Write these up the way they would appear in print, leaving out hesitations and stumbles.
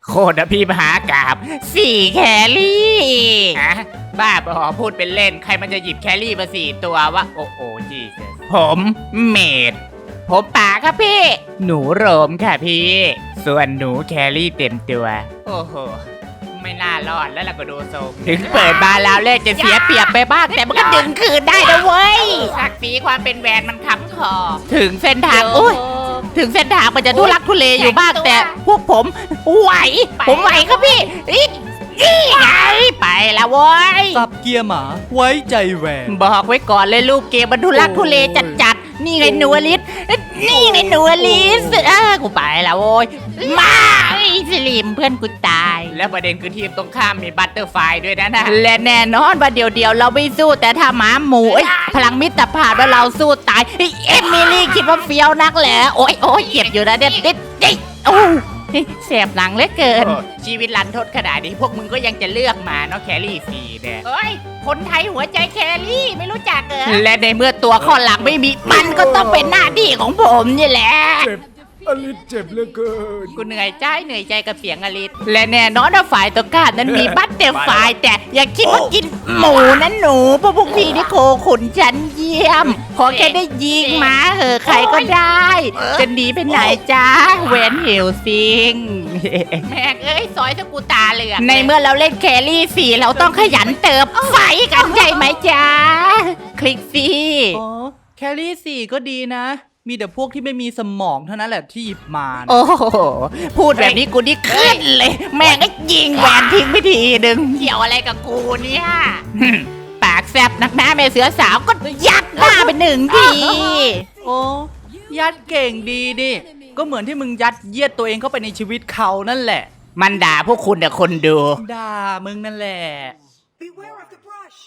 โคตรพี่มหากาบ4แครี่ฮะบ้าบอพูดเป็นเล่นใครมันจะหยิบแครี่มา4ตัววะโอ้โหจีสผมเมดผมป่าครับพี่หนูโรมค่ะพี่ส่วนหนูแครี่เต็มตัวโอ้โหไม่น่ารอดแล้วล่ะก็ดูทรงถึงเปิดมาแล้วเลขจะเสียเปรียบไปบ้างแต่มันก็ดึงคืนได้นะเว้ยศักดิ์ศรีความเป็นแวนมันค้ำคอถึงเส้นทางอุ้ยถึงเส้นทางมันจะทุลักทุเลอยู่บ้างแต่พวกผมไหวผมไหวครับพี่นี่ไงไปแล้วเว้ยสับเกียร์หมาไว้ใจแหวนบอกไว้ก่อนเลยลูกเกมมันทุลักทุเลจัดนี่ไงหนูอลิสนี่ไงหนูอลิสกูไปแล้วโว้ยมาไอ้สลิมเพื่อนกูตายแล้วประเด็นคือทีมตรงข้ามมีบัตเตอร์ไฟด้วยนะและแน่นอนว่าเดี๋ยวเราไม่สู้แต่ถ้าหมาหมูพลังมิตรภาพว่าเราสู้ตายเอมิลี่คิดว่าเฟี้ยวนักแหละโอ้ยเจ็บอยู่นะเนี่ยโอ้เสียบหลังเหลือเกินชีวิตรันทดขนาดนี้พวกมึงก็ยังจะเลือกมาเนาะแครี่ฟรีเนี่ยเฮ้ยคนไทยหัวใจแครี่ไม่รู้จักเหรอและในเมื่อตัวข้อหลังไม่มีมันก็ต้องเป็นหน้าที่ของผมนี่แหละเจ็บอลิสเจ็บเหลือเกินกูเหนื่อยใจกับเสียงอลิสและแน่นอนว่าฝ่ายตรงข้ามนั้นมีบัตเตอร์ไฟแต่อย่าคิดว่ากินหมูนั้นหนูเพราะพวกพี่นี่โคขุนชั้นเยี่ยมขอแค่ได้ยิงมาเหอะใครก็ได้จะหนีไปไหนจ้าเวนเฮลซิงแม่งเอ้ยซอยสกูตาเหลืองในเมื่อเราเล่นแครี่ฟรีเราต้องขยันเติบไฟกันใช่ไหมจ้าคลิกฟรีอ๋อแครี่4ก็ดีนะ มีแต่พวกที่ไม่มีสมองเท่านั้นแหละที่หยิบมานะโอ้โหพูดแบบนี้กูนี่ขึ้นเลย แม่งก็ยิงแหวนทิ้งไปทีนึงเกี่ยวอะไรกับกูเนี่ยปากแซบนักหน้าแม่เสือสาวก็ยัดหน้าไป1 ทีโอ้ยัดเก่งดีดิก็เหมือนที่มึงยัดเยียดตัวเองเข้าไปในชีวิตเขานั่นแหละมันด่าพวกคุณแต่คนดูด่ามึงนั่นแหละ Beware of the brush.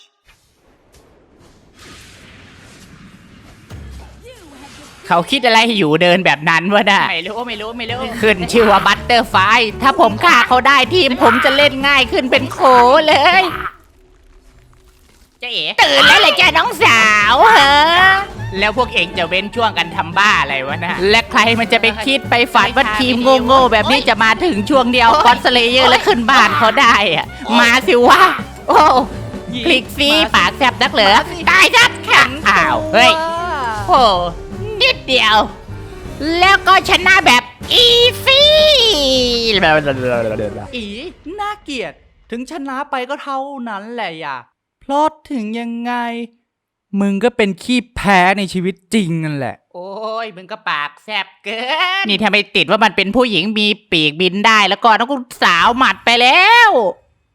เขาคิดอะไรอยู่เดินแบบนั้นวะน่ะไม่รู้ขึ้นชื่อว่าบัตเตอร์ไฟถ้าผมฆ่าเขาได้ทีมผมจะเล่นง่ายขึ้นเป็นโขเลยเจ๊ตื่นแล้วเลยจ้าน้องสาวเหรอแล้วพวกเองจะเว้นช่วงกันทำบ้าอะไรวะนะและใครมันจะไปคิดไปฝันว่าทีมโง่ๆแบบนี้จะมาถึงช่วงเดียวก็อตสเลเยอร์และขึ้นบ้านเขาได้อะมาสิวะโอ้คลิกฟรีปากแซบนักเหรอตายชัดแข็งอ้าวเฮ้ยโอ้นิดเดียว แล้วก็ชนะแบบอีซี่อีน่าเกลียดถึงชนะไปก็เท่านั้นแหละอย่าเพราะถึงยังไง มึงก็เป็นขี้แพ้ในชีวิตจริงนั่นแหละโอ้ยมึงก็ปากแซบเกินนี่ถ้าไม่ติดว่ามันเป็นผู้หญิงมีปีกบินได้แล้วก็ต้องกูสาวหมัดไปแล้ว